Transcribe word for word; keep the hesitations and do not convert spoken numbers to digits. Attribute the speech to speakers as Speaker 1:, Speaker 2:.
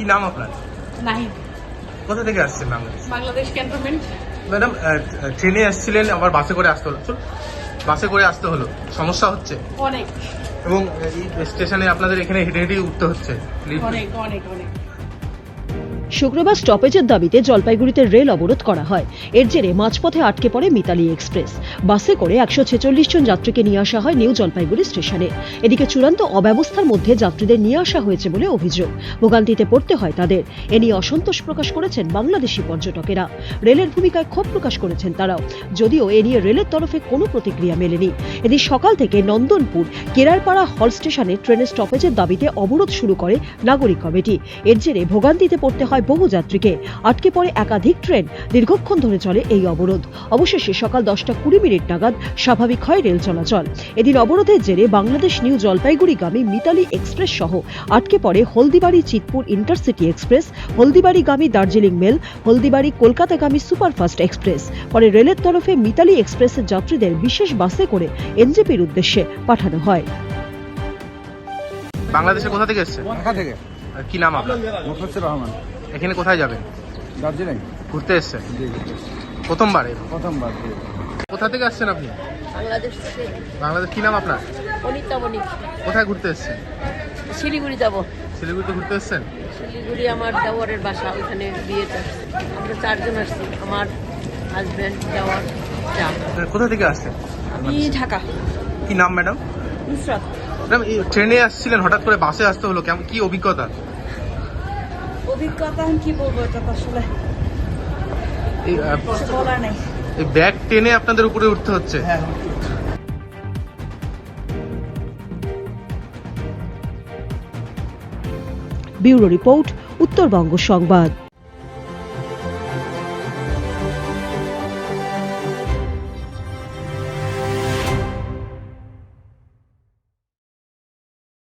Speaker 1: কি নাম আপনার?
Speaker 2: নাহিদ।
Speaker 1: কোথা থেকে আসছেন? বাংলাদেশ।
Speaker 2: বাংলাদেশ ক্যান্টনমেন্ট।
Speaker 1: ম্যাডাম, ট্রেনে আসছিলেন, আবার বাসে করে আসতে হলো। চল, বাসে করে আসতে হলো, সমস্যা হচ্ছে?
Speaker 2: অনেক
Speaker 1: এবং এই স্টেশনে আপনাদের এখানে হেঁটে হেঁটে উঠতে হচ্ছে?
Speaker 2: অনেক অনেক অনেক
Speaker 3: শুক্রবার স্টপেজের দাবিতে জলপাইগুড়িতে রেল অবরোধ করা হয়। এর জেরে মাঝপথে আটকে পড়ে মিতালি এক্সপ্রেস। বাসে করে একশো ছেচল্লিশ জন যাত্রীকে নিয়ে আসা হয় নিউ জলপাইগুড়ি স্টেশনে। এদিকে চূড়ান্ত অব্যবস্থার মধ্যে যাত্রীদের নিয়ে আসা হয়েছে বলে অভিযোগ। ভোগান্তিতে পড়তে হয় তাদের। এ নিয়ে অসন্তোষ প্রকাশ করেছেন বাংলাদেশি পর্যটকেরা। রেলের ভূমিকায় ক্ষোভ প্রকাশ করেছেন তারাও, যদিও এ নিয়ে রেলের তরফে কোনো প্রতিক্রিয়া মেলেনি। এদিন সকাল থেকে নন্দনপুর কেরারপাড়া হল স্টেশনে ট্রেনের স্টপেজের দাবিতে অবরোধ শুরু করে নাগরিক কমিটি। এর জেরে ভোগান্তিতে পড়তে হয় বহু যাত্রীকে। আটকে পড়ে একাধিক ট্রেন। দীর্ঘক্ষণ ধরে চলে এই অবরোধ। অবশেষে সকাল দশটা কুড়ি মিনিট নাগাদ স্বাভাবিক হয় রেল চলাচল। এদিন অবরোধের জেরে বাংলাদেশ নিউ জলপাইগুড়িগামী মিতালি এক্সপ্রেস সহ আটকে পড়ে হলদিবাড়ি চিতপুর ইন্টারসিটি এক্সপ্রেস, হলদিবাড়িগামী দার্জিলিং মেল, হলদিবাড়ি কলকাতাগামী সুপারফাস্ট এক্সপ্রেস। পরে রেলের তরফে মিতালি এক্সপ্রেসের যাত্রীদের বিশেষ বাসে করে এনজেপির উদ্দেশ্যে পাঠানো হয়।
Speaker 1: বাংলাদেশে কোথা থেকে এসেছেন?
Speaker 4: ঢাকা থেকে
Speaker 1: আর কি নাম আপনার?
Speaker 4: মুখলিসুর রহমান।
Speaker 1: এখানে কোথায় যাবেন?
Speaker 4: দার্জিলিং।
Speaker 1: ঘুরতে এসেছেন?
Speaker 4: জি,
Speaker 1: প্রথমবার?
Speaker 4: প্রথমবার। জি।
Speaker 1: কোথা থেকে আসছেন আপনি?
Speaker 2: বাংলাদেশ থেকে।
Speaker 1: বাংলাদেশ। কি নাম আপনার?
Speaker 2: অনিতা মনিক।
Speaker 1: কোথায় ঘুরতে এসেছেন?
Speaker 2: শিলিগুড়ি যাব।
Speaker 1: শিলিগুড়িতে ঘুরতে এসেছেন?
Speaker 2: শিলিগুড়ি আমার দেওয়ারের বাসা, ওইখানে বিয়েতে আসছি। আমরা চারজন আসছি, আমার হাজব্যান্ড, দেওয়ার, যা।
Speaker 1: কোথা থেকে আসছেন?
Speaker 2: আমি ঢাকা।
Speaker 1: কি নাম ম্যাডাম?
Speaker 2: নুসরাত।
Speaker 1: ম্যাডাম, এই ট্রেনে আসছিলেন, হঠাৎ করে বাসে আসতে হলো, কেমন কি অভিজ্ঞতা?
Speaker 2: অভিজ্ঞতা কি বলবো, এটা তো আসলে
Speaker 1: এই আহ,
Speaker 2: কিছু বলার নাই।
Speaker 1: এই ব্যাগ টেনে আপনাদের উপরে উঠতে হচ্ছে?
Speaker 3: ব্যুরো রিপোর্ট, উত্তরবঙ্গ সংবাদ।